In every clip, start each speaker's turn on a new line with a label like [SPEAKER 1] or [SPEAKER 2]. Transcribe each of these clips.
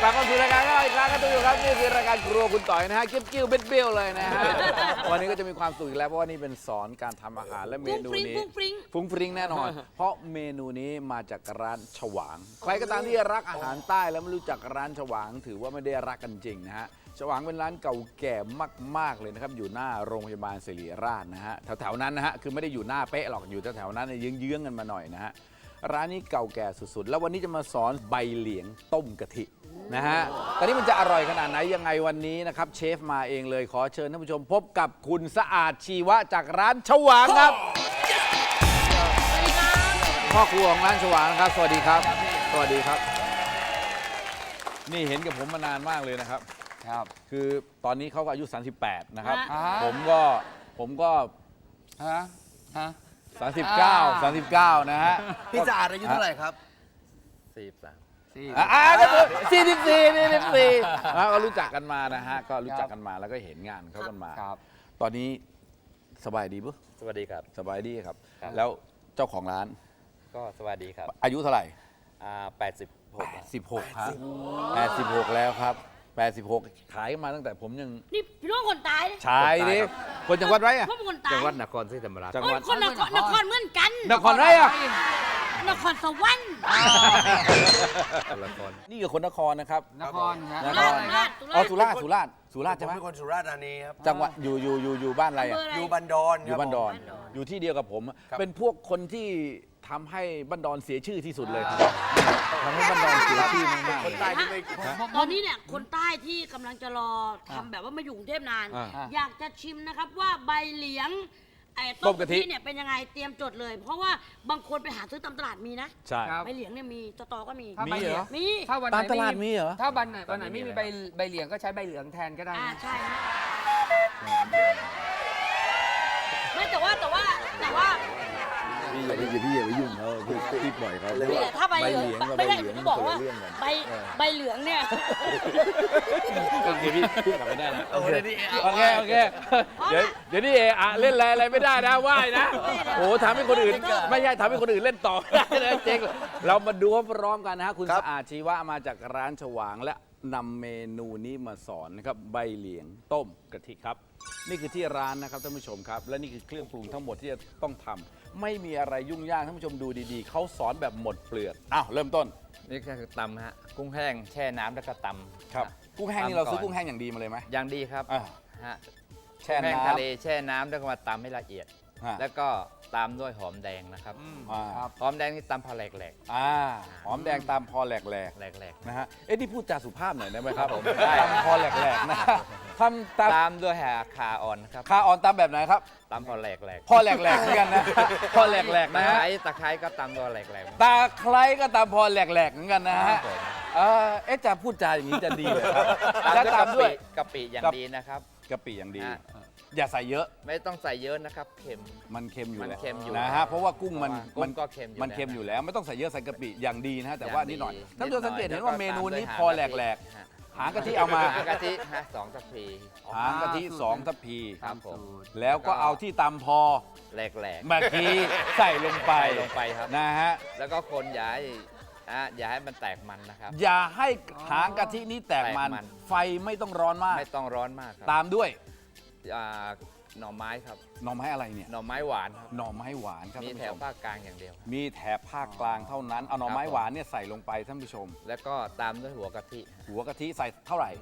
[SPEAKER 1] ลับเข้าสู่รายการเราอีกครั้งครับทุกท่านครับนี่คือรายการครัวคุณต่อยนะฮะกิ้วเบี้ยวเลยนะฮะวันนี้ก็จะมีความสุขอีกแล้วเพราะว่านี่เป็นสอนการทำอาหารและเมนูนี้ฟุ้งฟริ้งแน่นอน เพราะเมนูนี้มาจากร้านฉวางใครก็ตามที่รักอาหารใต้แล้วไม่รู้จักร้านฉวางถือว่าไม่ได้รักกันจริงนะฮะฉวางเป็นร้านเก่าแก่มากๆเลยนะครับอยู่หน้าโรงพยาบาลศิริราชนะฮะแถวๆนั้นนะฮะคือไม่ได้อยู่หน้าเป๊ะหรอกอยู่แถวๆนั้นเยื้องๆกันมาหน่อยนะฮะร้านนี้เก่าแก่สุดๆแล้ววันนี้จะมาสอนใบเหลียงต้มกะทินะฮะตอนนี้มันจะอร่อยขนาดไหนยังไงวันนี้นะครับเชฟมาเองเลยขอเชิญท่านผู้ชมพบกับคุณสะอาดชีวะจากร้านฉวางครับพ่อครัวของร้านฉวางครับสวัสดีครับสวัสดีครับนี่เห็นกับผมมานานมากเลยนะครับครับคือตอนนี้เขาก็อายุ38นะครับผมก็39นะฮะ
[SPEAKER 2] พี่สะอาดอายุเท่าไหร่ครับ
[SPEAKER 1] 44ก็รู้จักกันมานะฮะก็รู้จักกันมาแล้วก็เห็นงานเขากันมาตอนนี้สบายดีปุ๊สวัสดีครับสบายดีครับแล้วเจ้าของร้าน
[SPEAKER 3] ก็สวัสดีครับ
[SPEAKER 1] อายุเท่าไหร่
[SPEAKER 3] 86
[SPEAKER 1] ครับ86แล้วครับ86ขายมาตั้งแต่ผมยัง
[SPEAKER 4] นี่พี่น้องคนตาย
[SPEAKER 1] ชายดิคนจังหวัดไรอะ
[SPEAKER 3] จังหวัดนครศรีธรรมราช
[SPEAKER 4] จังหวัดนครเหมือนกัน
[SPEAKER 1] นครไรอะ
[SPEAKER 4] นครสวรรค์
[SPEAKER 1] นี่คือคนนครนะครับ
[SPEAKER 2] นคร
[SPEAKER 1] สุราษฎร์ใช่ไหม
[SPEAKER 2] เป็นคนสุราษฎร์ธานีครับ
[SPEAKER 1] จังหวัดอยู่บ้านอะไรอะ
[SPEAKER 2] อยู่บันดอน
[SPEAKER 1] อยู่บ้านดอนอยู่ที่เดียวกับผมเป็นพวกคนที่ทำให้บ้านดอนเสียชื่อที่สุดเลยทำให้บ้านดอนเสียชื่อมากๆ
[SPEAKER 2] คนใต้ที่ไม่
[SPEAKER 4] ตอนนี้เนี่ยคนใต้ที่กำลังจะรอทำแบบว่ามาอยู่กรุงเทพนานอยากจะชิมนะครับว่าใบเหลียงต้มกะทิเนี่ยเป็นยังไงเตรียมจดเลย เพราะว่าบางคนไปหาซื้อตามตลาดมีนะ
[SPEAKER 1] ใช่
[SPEAKER 4] ใบเหลียงเนี่ยมีสตอก็มี
[SPEAKER 1] เหรอ
[SPEAKER 4] มี
[SPEAKER 1] ตามตลาดมีเหรอ
[SPEAKER 2] ถ้าวันไหนไม่มีใบเหลียงก็ใช้ใบเหลืองแทนก็ได้
[SPEAKER 4] ใช่ไม่แต่ว่า
[SPEAKER 1] พี่อย่าไปยุ่งเขาพี่ปล่อยเขา
[SPEAKER 4] ถ้าใบเหลืองไม่ได้ผมบอกว่าใบเหลืองเนี่ย
[SPEAKER 1] โอเคพี่กลับไม่ได้แล้วโอเคเดี๋ยวนี่เล่นอะไรไม่ได้นะว่ายนะโอ้ทำให้คนอื่นไม่ใช่ทำให้คนอื่นเล่นต่อได้นะเจ๊งเรามาดูพร้อมกันนะฮะคุณสะอาดชีวะมาจากร้านฉวางและนำเมนูนี้มาสอนนะครับใบเหลียงต้มกะทิครับนี่คือที่ร้านนะครับท่านผู้ชมครับและนี่คือเครื่องปรุงทั้งหมดที่จะต้องทำไม่มีอะไรยุ่งยากท่านผู้ชมดูดีๆเขาสอนแบบหมดเปลือกเริ่มต้น
[SPEAKER 3] นี่คือตำฮะกุ้งแห้งแช่น้ำแล้วก็ตำ
[SPEAKER 1] ครับกุ้งแห้งนี่เราซื้อกุ้งแห้งอย่างดีมาเลยไหม
[SPEAKER 3] อย่างดีครับ
[SPEAKER 1] แช่น้ำ
[SPEAKER 3] ทะเลแช่น้ำแล้วก็มาตำให้ละเอียดแล้วก็ตามด้วยหอมแดงนะครับหอมแดงนี่ตำพอแหลก
[SPEAKER 1] หอมแดงตามพอแหลกนะฮะนี่พูดจาสุภาพหน่อยได้ไหมครับผมตามพอแหลกนะทำ
[SPEAKER 3] ตามด้วยขาอ่อนครับ
[SPEAKER 1] ขาอ่อนตามแบบไหนครับ
[SPEAKER 3] ตามพอแหลก
[SPEAKER 1] พอแหลกเหมือนกันนะพอแหลกนะ
[SPEAKER 3] ตะไคร้ก็ตามพอแหลก
[SPEAKER 1] ตาไคร้ก็ตามพอแหลกเหมือนกันนะฮะจะพูดจาอย่างนี้จะดีเลยครับ
[SPEAKER 3] แล้วตามด้วยกะปิอย่างดีนะครับ
[SPEAKER 1] กะปิอย่างดีอย่าใส่เยอะ
[SPEAKER 3] ไม่ต้องใส่เยอะนะครับเค็ม
[SPEAKER 1] มันเค็มอยู่แล้ว
[SPEAKER 3] นะ
[SPEAKER 1] ฮะเพราะว่ากุ้ง
[SPEAKER 3] มันก็เค็ม
[SPEAKER 1] อยู่แล้วไม่ต้องใส่เยอะใส่กะปิอย่างดีนะฮะแต่ว่านิดหน่อยท่านผู้ชมสังเกตเห็นว่าเมนูนี้พอแหลกหางกะทิเอามา
[SPEAKER 3] หางกะทิ2 ทัพพี
[SPEAKER 1] หางกะทิ2 ทัพพีแล้วก็เอาที่ตำพอ
[SPEAKER 3] แหลก
[SPEAKER 1] เมื่อกี้ใส่ลงไป
[SPEAKER 3] ครับ
[SPEAKER 1] นะฮะ
[SPEAKER 3] แล้วก็คนอย่าให้มันแตกมันนะครับ
[SPEAKER 1] อย่าให้หางกะทินี้แตกมันไฟไม่ต้องร้อนมาก
[SPEAKER 3] ครับ
[SPEAKER 1] ตามด้วย
[SPEAKER 3] หน่อไม้ครับ
[SPEAKER 1] หน่อไม้อะไรเนี่ย
[SPEAKER 3] หน่อไม้หวานครับ
[SPEAKER 1] หน่อไม้หวานครับ
[SPEAKER 3] มีแถวภาคกลางอย่างเดียว
[SPEAKER 1] มีแถบภาคกลางเท่านั้นเอาหน่อไม้หวานเนี่ยใส่ลงไปท่านผู้ชม
[SPEAKER 3] แล้วก็ตามด้วยหัวกะทิ
[SPEAKER 1] ใส่เท่าไหร่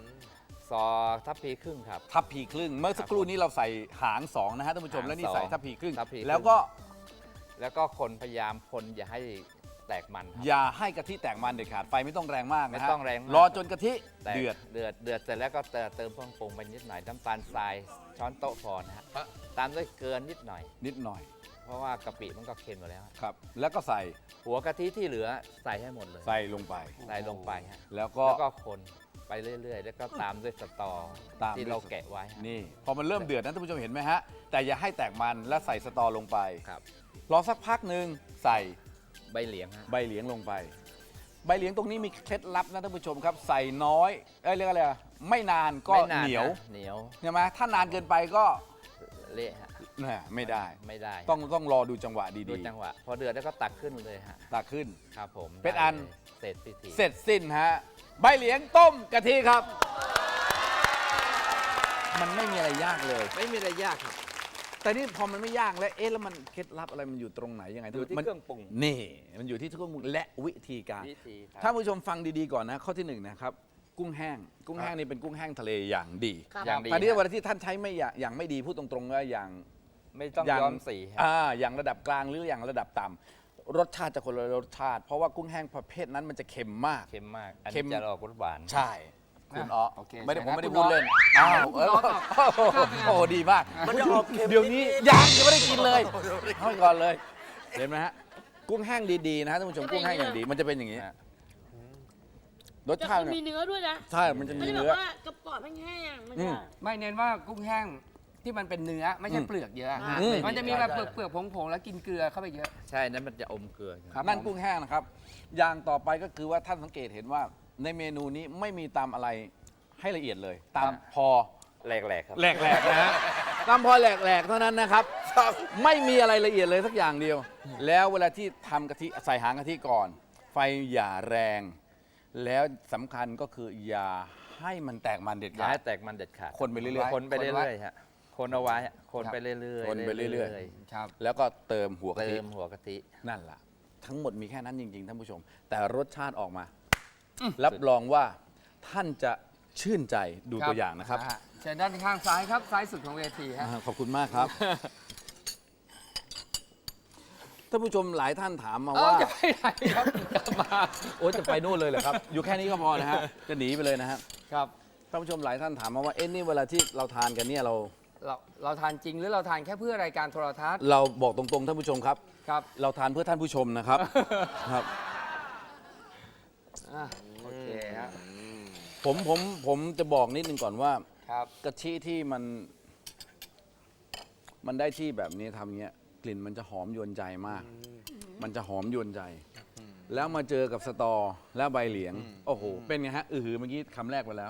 [SPEAKER 3] 2 ทัพพีครึ่งครับ
[SPEAKER 1] ทัพพีครึ่งเมื่อสักครู่นี้เราใส่หาง2นะฮะท่านผู้ชมแล้วนี่ใส่ทัพพีครึ่งแล้
[SPEAKER 3] วก็คนพยายามคนอย่าให้แตกมัน
[SPEAKER 1] อย่าให้กะทิแตกมันเด็ดขาดไฟไม่ต้องแรงมากนะฮะ
[SPEAKER 3] ไม่ต้องแรง
[SPEAKER 1] รอจนกะทิเดือด
[SPEAKER 3] เสร็จแล้วก็เติมเครื่องปรุงไปนิดหน่อยน้ำตาลทรายช้อนโต๊ะพอนะฮะตามด้วยเกลือนิดหน่อยเพราะว่ากะปิมันก็เค็มอยู่แล้ว
[SPEAKER 1] ครับแล้วก็ใส่
[SPEAKER 3] หัวกะทิที่เหลือใส่ให้หมดเลย
[SPEAKER 1] ใส่ลงไป
[SPEAKER 3] ฮะ
[SPEAKER 1] แล้วก็
[SPEAKER 3] คนไปเรื่อยๆแล้วก็ตามด้วยสตอที่เราแกะไว้
[SPEAKER 1] นี่พอมันเริ่มเดือดนะท่านผู้ชมเห็นไหมฮะแต่อย่าให้แตกมันแล้วใส่สตอลงไป
[SPEAKER 3] ครับ
[SPEAKER 1] รอสักพักหนึ่งใส่
[SPEAKER 3] ใบเหลียง
[SPEAKER 1] ลงไปใบเหลียงตรงนี้มีเคล็ดลับนะท่านผู้ชมครับใส่น้อยเรียกอะไรไม่นานก็เหนียวใช่ไหมถ้านานเกินไปก็
[SPEAKER 3] เละฮะ
[SPEAKER 1] ไม่ได้
[SPEAKER 3] ต้อง
[SPEAKER 1] รอดูจังหวะดี
[SPEAKER 3] ๆดูจังหวะพอเดือดแล้วก็ตักขึ้นเลยฮะ
[SPEAKER 1] ตักขึ้น
[SPEAKER 3] ครับผม
[SPEAKER 1] เป็นอัน
[SPEAKER 3] เสร็จพิธี
[SPEAKER 1] เสร็จสิ้นฮะใบเหลียงต้มกะทิครับ มันไม่มีอะไรยากเลย
[SPEAKER 3] ไม่มีอะไรยากครับ
[SPEAKER 1] แต่นี่พอมันไม่ยากแล้วแล้วมันเคล็ดลับอะไรมันอยู่ตรงไหนยังไง
[SPEAKER 3] อยู่ที่
[SPEAKER 1] มัน
[SPEAKER 3] เครื่องปรุง
[SPEAKER 1] นี่มันอยู่ที่เครื่องปรุงและวิธีการ
[SPEAKER 3] วิธีครับ
[SPEAKER 1] ท่านผู้ชมฟังดีๆก่อนนะข้อที่หนึ่งนะครับกุ้งแห้งกุ้งแห้งนี่เป็นกุ้งแห้งทะเลอย่างดี
[SPEAKER 4] ครับ
[SPEAKER 3] อย่างดี
[SPEAKER 1] ตอนนี้
[SPEAKER 3] ฮะ
[SPEAKER 1] เวลาที่ท่านใช้ไม่อย่างไม่ดีพูดตรงๆว่าอย่าง
[SPEAKER 3] ไม่ต้อง
[SPEAKER 1] อย่าง
[SPEAKER 3] ย้อมสีครับ
[SPEAKER 1] อย่างระดับกลางหรืออย่างระดับต่ำรสชาติจะคนละรสชาติ เพราะว่ากุ้งแห้งประเภทนั้นมันจะเค็มมาก
[SPEAKER 3] เค็มมาก อัน
[SPEAKER 1] เค็ม
[SPEAKER 3] นี้จะออกรสหวาน
[SPEAKER 1] ใช่คุณอ๋อ
[SPEAKER 2] โอเค
[SPEAKER 1] ไม่ได้ผมไม่ได้
[SPEAKER 2] คุณ
[SPEAKER 1] พูด
[SPEAKER 2] อ๋อ
[SPEAKER 1] เล่นอ้าว
[SPEAKER 2] คุณอ๋อตอบ
[SPEAKER 1] โอ้โหดีมาก
[SPEAKER 2] มันจะออกเค็ม
[SPEAKER 1] เดี๋ยวนี้ยังไม่ได้กินเลยให้ก่อนเลยเห็นไหมฮะกุ้งแห้งดีๆนะฮะท่านผู้ชมกุ้งแห้งอย่างดีมันจะเป็นอย่างนี้
[SPEAKER 3] ฮะ
[SPEAKER 1] รส
[SPEAKER 4] จะ
[SPEAKER 1] ชาติ
[SPEAKER 4] มี
[SPEAKER 1] เนี่ย
[SPEAKER 4] เนื้อด้วยนะ
[SPEAKER 1] ใช่มันจะ
[SPEAKER 4] ไม่
[SPEAKER 1] มี
[SPEAKER 4] ได้แบบ
[SPEAKER 1] เนื้อ
[SPEAKER 4] ว่ากระป๋องแห้งๆไม่
[SPEAKER 1] อื
[SPEAKER 4] ใช่
[SPEAKER 1] ม
[SPEAKER 2] ไม่เน้นว่ากุ้งแห้งที่มันเป็นเนื้อไม่ใช่เปลือกเยอะฮะ
[SPEAKER 1] อืม
[SPEAKER 2] มันจะมีแบบเปลือกผงๆแล้วกินเกลือเข้าไปเยอะ
[SPEAKER 3] ใช่นั้นมันจะอมเกลือ
[SPEAKER 2] ครับ
[SPEAKER 1] นั่นกุ้งแห้งนะครับ อย่างต่อไปก็คือว่าท่านสังเกตเห็นว่าในเมนูนี้ไม่มีตำอะไรให้ละเอียดเลยตามพอ
[SPEAKER 3] แหลกๆครับ
[SPEAKER 1] แหลกๆนะฮะตามพอแหลกๆเท่านั้นนะครับ ไม่มีอะไรละเอียดเลยสักอย่างเดียว แล้วเวลาที่ทำกะทิใส่หางกะทิก่อน ไฟอย่าแรง แล้วสำคัญก็คืออย่าให้มันแตกมันเด็ด
[SPEAKER 3] อย่า
[SPEAKER 1] ขาด
[SPEAKER 3] ให้แตกมันเด็ดขาด
[SPEAKER 1] คนไปเรื่อยๆ
[SPEAKER 3] คนไปเรื่อยๆฮะคนเอาไว้ฮะคนไปเรื่อยๆ
[SPEAKER 1] คนไปเรื่อย
[SPEAKER 2] ครับ
[SPEAKER 1] แล้วก็เติมหัว
[SPEAKER 3] ๆ
[SPEAKER 1] กะ
[SPEAKER 3] เติ
[SPEAKER 1] ทิ
[SPEAKER 3] มหัวกะทิ
[SPEAKER 1] นั่นแหละทั้งหมดมีแค่นั้นจริง ๆ ท่านผู้ชม แต่รสชาติออกมา รับรองว่าท่านจะชื่นใจดูตัวอย่างนะครับ
[SPEAKER 2] เชิญด้านข้างซ้ายครับ ซ้ายสุดของเวทีฮะ
[SPEAKER 1] ขอบคุณมากครับ ท่านผู้ชมหลายท่านถามมาว่า
[SPEAKER 2] จะไปไหนครับจะมา
[SPEAKER 1] โอ้จะไปนู่นเลยเหรอครับ อยู่แค่นี้ก็พอนะฮะจะหนีไปเลยนะฮะ
[SPEAKER 2] ครับ
[SPEAKER 1] ท่านผู้ชมหลายท่านถามมาว่าเอ๊ะนี่เวลาที่เราทานกันเนี่ย
[SPEAKER 2] เราทานจริงหรือเราทานแค่เพื่อรายการโทรทัศน์
[SPEAKER 1] เราบอกตรงๆท่านผู้ชมครับ
[SPEAKER 2] ครับ
[SPEAKER 1] เราทานเพื่อท่านผู้ชมนะครับครับ
[SPEAKER 2] อ่ะโอเคฮะ
[SPEAKER 1] ผมจะบอกนิดนึงก่อนว่า
[SPEAKER 2] ครับ
[SPEAKER 1] กะทิที่มันได้ที่แบบนี้ทำเงี้ยกลิ่นมันจะหอมยวนใจมาก มันจะหอมยวนใจ แล้วมาเจอกับสตอแล้วใบเหลียง โอ้โห เป็นไงฮะเมื่อกี้คำแรกไปแล้ว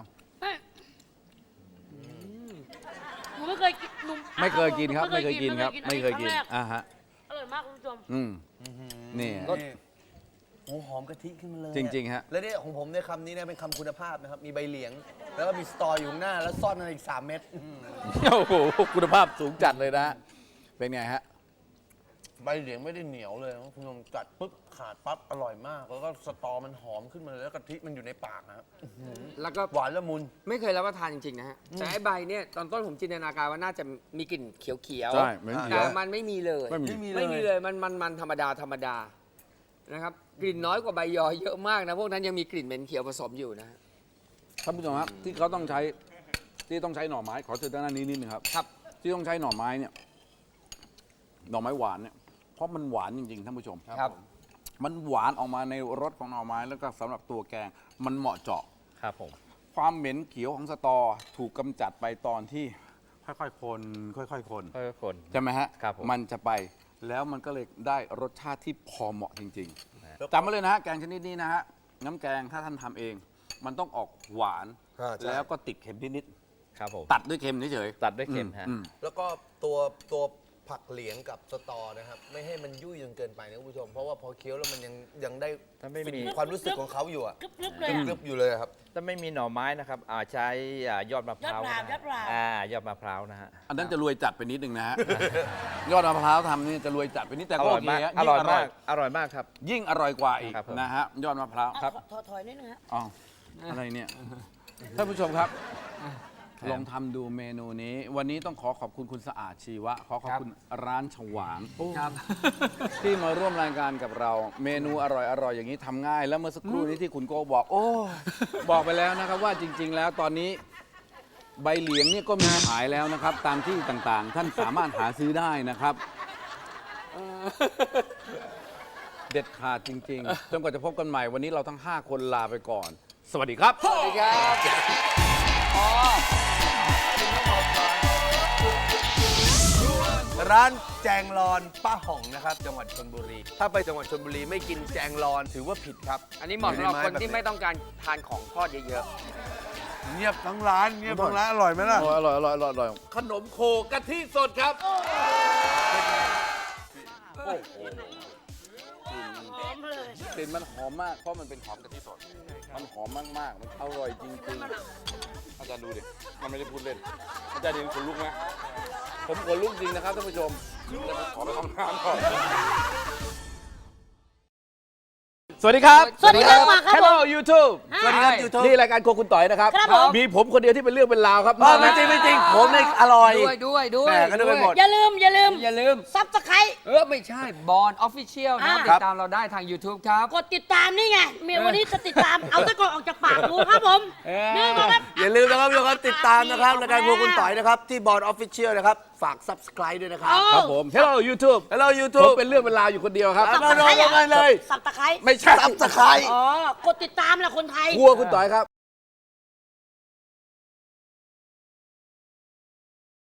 [SPEAKER 4] หนูไม่เคยกินหนู
[SPEAKER 1] ไม่เคยกินครับ ไม่เคยกินครับ ไม่เคยกิน
[SPEAKER 4] อัรั้งแร
[SPEAKER 1] อ่าฮะ
[SPEAKER 4] อร่อยมากคุณผู้ชม
[SPEAKER 1] นี่
[SPEAKER 2] รส
[SPEAKER 5] โอ้หอมกะทิขึ้นมาเลย
[SPEAKER 1] จริงๆฮะ
[SPEAKER 5] แล้วเนี่ยของผมเนี่ยคำนี้เนี่ยเป็นคำคุณภาพนะครับ มีใบเหลียง แล้วก็มีสตออยู่ข้างหน้า แล้วซ่อนอะไรอีก 3 เม็ด
[SPEAKER 1] โอ้โหคุณภาพสูงจัดเลยนะ เป็นไงฮะ
[SPEAKER 5] ใบเหลียงไม่ได้เหนียวเลยนะคุณผู้ชมกัดปุ๊บขาดปั๊บอร่อยมาก แล้วก็สตอมันหอมขึ้นมาเลยแล้วกะทิมันอยู่ในปากนะครับ
[SPEAKER 2] แล้วก็
[SPEAKER 5] หวานละมุน
[SPEAKER 2] ไม่เคยรับประทานจริงๆนะฮะแต่ไอ้ใบเนี่ยตอนต้นผมจินตนาการว่าน่าจะมีกลิ่นเขียวๆ
[SPEAKER 1] ใช่เหมือนเขียว
[SPEAKER 2] แต่มันไม่มีเลย
[SPEAKER 1] ไม่มี
[SPEAKER 2] ไม่มีเลยมันธรรมดานะครับกลิ่นน้อยกว่าใบยอเยอะมากนะพวกนั้นยังมีกลิ่นเหม็นเขียวผสมอยู่นะฮะ
[SPEAKER 1] ท่านผู้ชมครับที่เขาต้องใช้หน่อไม้ขอเชิญด้านนี้นิดนึงครับ
[SPEAKER 2] ครับ
[SPEAKER 1] ที่ต้องใช้หน่อไม้เนี่ยหน่อไม้หวานเนี่ยเพราะมันหวานจริงๆท่านผู้ชม
[SPEAKER 2] ครับ
[SPEAKER 1] มันหวานออกมาในรสของหน่อไม้แล้วก็สำหรับตัวแกงมันเหมาะเจาะ
[SPEAKER 3] ครับผม
[SPEAKER 1] ความเหม็นเขียวของสตอถูกกำจัดไปตอนที่ค่อยๆคนค่อยๆคน
[SPEAKER 3] ค่อยๆคน
[SPEAKER 1] ใช่ไหมฮะ
[SPEAKER 3] ครับผม
[SPEAKER 1] มันจะไปแล้วมันก็เลยได้รสชาติที่พอเหมาะจริง
[SPEAKER 5] แล้ว
[SPEAKER 1] ๆจำไว้เลยนะฮะแกงชนิดนี้นะฮะน้ำแกงถ้าท่านทำเอง มันต้องออกหวาน
[SPEAKER 5] ใช่
[SPEAKER 1] แล้วก็ติดเค็มนิด
[SPEAKER 3] ครับผม
[SPEAKER 1] ๆตัดด้วยเค็มเฉย
[SPEAKER 3] ตัดด้วย
[SPEAKER 1] ๆ
[SPEAKER 3] เค็มฮะ
[SPEAKER 1] อืม
[SPEAKER 5] แล้วก็ตัวผักเหลียงกับสตอนะครับ ไม่ให้มันยุ่ยจนเกินไปนะคุณผู้ชม เพราะว่าพอเคี้ยวแล้วมันยังได้
[SPEAKER 3] ถ้าไม่มี
[SPEAKER 5] ความรู้สึกของเขาอยู่อะ
[SPEAKER 4] กรึบๆเลย
[SPEAKER 5] กรึบๆอยู่เลยอะครับ
[SPEAKER 3] ถ้าไม่มีหน่อไม้นะครับใช้ยอดมะพร้าวย
[SPEAKER 4] อดพร้าว
[SPEAKER 3] ยอดมะพร้าวนะฮะ
[SPEAKER 1] อันนั้นจะรวยจัดไปนิดนึงนะฮะ ยอดมะพร้าวทำนี่จะรวยจัดไปนิดแต่ก็โอเคฮะ
[SPEAKER 3] อ
[SPEAKER 1] ยิ่ง
[SPEAKER 3] ร่อย
[SPEAKER 1] อร่
[SPEAKER 3] มา
[SPEAKER 1] อย
[SPEAKER 3] ก อร่อยมากครับ
[SPEAKER 1] ยิ่งอร่อยกว่าอีก
[SPEAKER 3] ครับผม
[SPEAKER 1] นะฮะยอดมะพร้าว
[SPEAKER 4] ครับถอยนิดนึงฮะ
[SPEAKER 1] อ๋ออะไรเนี่ยท่านผู้ชมครับลองทำดูเมนูนี้ วันนี้ต้องขอบคุณคุณสะอาดชีวะขอบคุณร้านฉวาง
[SPEAKER 2] ครับ
[SPEAKER 1] ที่มาร่วมรายการกับเรา เมนูอร่อยๆอย่างนี้ทำง่าย แล้วเมื่อสักครู่นี้ที่คุณโกบอก โอ้บอกไปแล้วนะครับว่าจริง ๆ แล้วตอนนี้ใบเหลียงเนี่ยก็มีขายแล้วนะครับ ตามที่ต่างๆ ท่านสามารถหาซื้อได้นะครับ เด็ดขาดจริงๆจนกว่าจะพบกันใหม่วันนี้เราทั้ง 5 คนลาไปก่อน สวัสดีครับ
[SPEAKER 2] สวัสดีครับอ๋อ
[SPEAKER 5] ร้านแจงรอนป้าห่องนะครับ จังหวัดชลบุรี ถ้าไปจังหวัดชลบุรีไม่กินแจงรอนถือว่าผิดครับ
[SPEAKER 2] อันนี้เหมาะสำหรับคนที่ไม่ต้องการทานของทอดเยอะ
[SPEAKER 5] เงียบทั้งร้านเงียบทั้งร้านอร่อยไหมล่ะ
[SPEAKER 1] อร่อยขนมโคกะทิสดครับ
[SPEAKER 5] โอ้โห
[SPEAKER 4] หอมเลย
[SPEAKER 1] กลิ่นมันหอมมากเพราะมันเป็นหอมกะทิสดมันหอมมากๆมันอร่อยจริงๆอาจารย์ดูดิมันไม่ได้พูดเล่นอาจารย์ดีขนลุกไหมผมขนลุกจริงนะครับท่านผู้ชมแต่ผมขอไปห้องน้ำก่อนสวัสดีครับ
[SPEAKER 4] สวัสดีครับมาครับ
[SPEAKER 1] Hello YouTube
[SPEAKER 4] สวัสดีครับ
[SPEAKER 5] YouTube
[SPEAKER 1] นี่รายการโครัวคุณต่อยนะครับ
[SPEAKER 4] ครับผม
[SPEAKER 1] มีผมคนเดียวที่เป็นเรื่องเป็นราวครับ
[SPEAKER 5] ไม่จริงไม่จริงผมเนี่ยอร่อย
[SPEAKER 2] ด้วย
[SPEAKER 5] แหม่ก็นึกไปหมด
[SPEAKER 4] อย่าลืม
[SPEAKER 2] อย่าลืม
[SPEAKER 4] ซับสไครต์
[SPEAKER 2] ไม่ใช่บอลออฟฟิเชียลนะครับ
[SPEAKER 4] อ่า
[SPEAKER 2] ติดตามเราได้ทาง YouTube ครับ
[SPEAKER 4] กดติดตามนี่ไงเมียวันนี้จะติดตาม เอาตะกอนออกจากปากกูครับผม นี่ก็ครับ
[SPEAKER 5] อย่าลืมนะครับทุกคนติดตามนะครับรายการครัวคุณต่อยนะครับที่บอร์ดออฟฟิเชียลนะครับฝาก subscribe ด้วยนะครับ
[SPEAKER 1] ครับผม Hello YouTube
[SPEAKER 5] Hello
[SPEAKER 1] ผม
[SPEAKER 5] YouTube
[SPEAKER 1] เป็นเรื่องเป็นราวอยู่คนเดียวครับ
[SPEAKER 5] มาเลย
[SPEAKER 4] สับตะไคร้
[SPEAKER 1] ไม่ใช่
[SPEAKER 5] subscribe
[SPEAKER 4] อ๋อ กดติดตามแหละคนไทย
[SPEAKER 1] ครัวคุณต่อยครับ